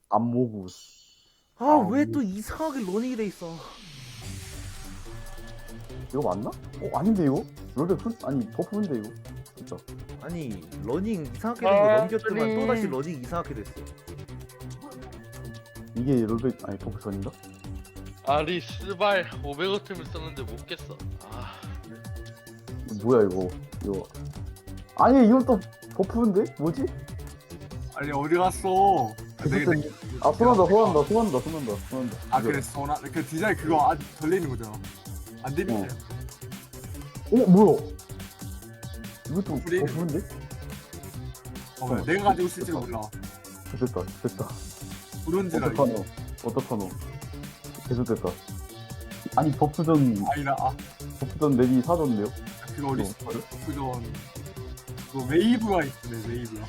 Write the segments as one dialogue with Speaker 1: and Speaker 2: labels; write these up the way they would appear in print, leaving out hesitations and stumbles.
Speaker 1: 안모구.
Speaker 2: 아 왜 또 이상하게 러닝이 돼 있어.
Speaker 1: 이거 맞나? 아닌데 이거? 롤백 아니 버프인데 이거. 진짜.
Speaker 2: 아니 러닝 이상하게 된 거 넘겼더만 또 다시
Speaker 3: 쏘리.
Speaker 2: 러닝 이상하게 됐어.
Speaker 1: 이게 롤백 아니 버프 전인가?
Speaker 3: 아리 스발 500원쯤을 썼는데 못 깼어. 아,
Speaker 1: 이거 뭐야 이거. 아니 이건 또 버프인데? 뭐지?
Speaker 4: 아니 어디 갔어?
Speaker 1: 손한다.
Speaker 4: 아 그래 소나 그 디자인 그거 안 걸리는 거잖아. 안 되는 거야.
Speaker 1: 뭐야? 이것도
Speaker 4: 프리?
Speaker 1: 버프인데?
Speaker 4: 어, 내가 가지고 있을지 몰라.
Speaker 1: 됐다.
Speaker 4: 브론즈라.
Speaker 1: 어떡하노? 계속됐다. 아니 버프전
Speaker 4: 아니라
Speaker 1: 맵이 사줬네요.
Speaker 4: 그거 어디 있어? 그전 그거 웨이브가 있네 웨이브가.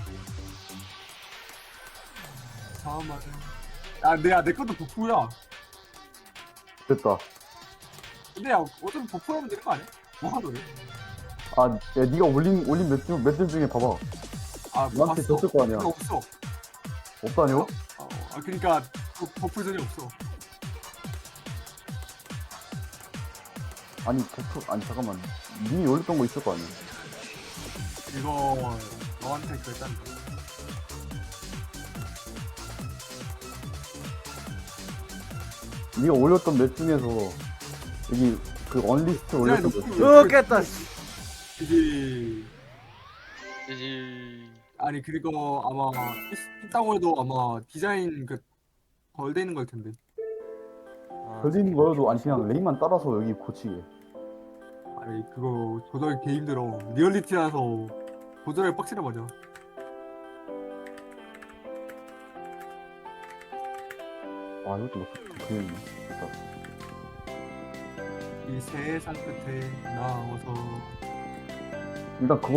Speaker 4: 잠깐만. 내 것도 버프야.
Speaker 1: 됐다.
Speaker 4: 근데 야 어차피 버프하면 되는 거 아니야? 뭐 하더래?
Speaker 1: 야 네가 올린 맵들 중에 봐봐.
Speaker 4: 뭐
Speaker 1: 나한테
Speaker 4: 봤어?
Speaker 1: 줬을 거 아니야.
Speaker 4: 그거 없어.
Speaker 1: 없다뇨?
Speaker 4: 그러니까 버프전이 없어.
Speaker 1: 아니 잠깐만. 님이 올렸던 거 있을 거 아니야.
Speaker 4: 이거 너한테 그랬다는 거.
Speaker 1: 네가 올렸던 맵 중에서 여기 그 언리스트 올렸던 거 있지?
Speaker 2: 좋겠다.
Speaker 4: 그게
Speaker 3: 이지.
Speaker 4: 아니 그리고 아마 있다고 해도 아마 디자인 덜 되는 걸 텐데.
Speaker 1: 걸리는 거여도 아니 그냥 레이만 따라서 여기 고치게.
Speaker 4: 아니 그거 조절이 개 힘들어. 리얼리티라서 조절을 빡치나 맞아.
Speaker 1: 이것도 그냥
Speaker 4: 이 세상 끝에 나와서
Speaker 1: 일단 그거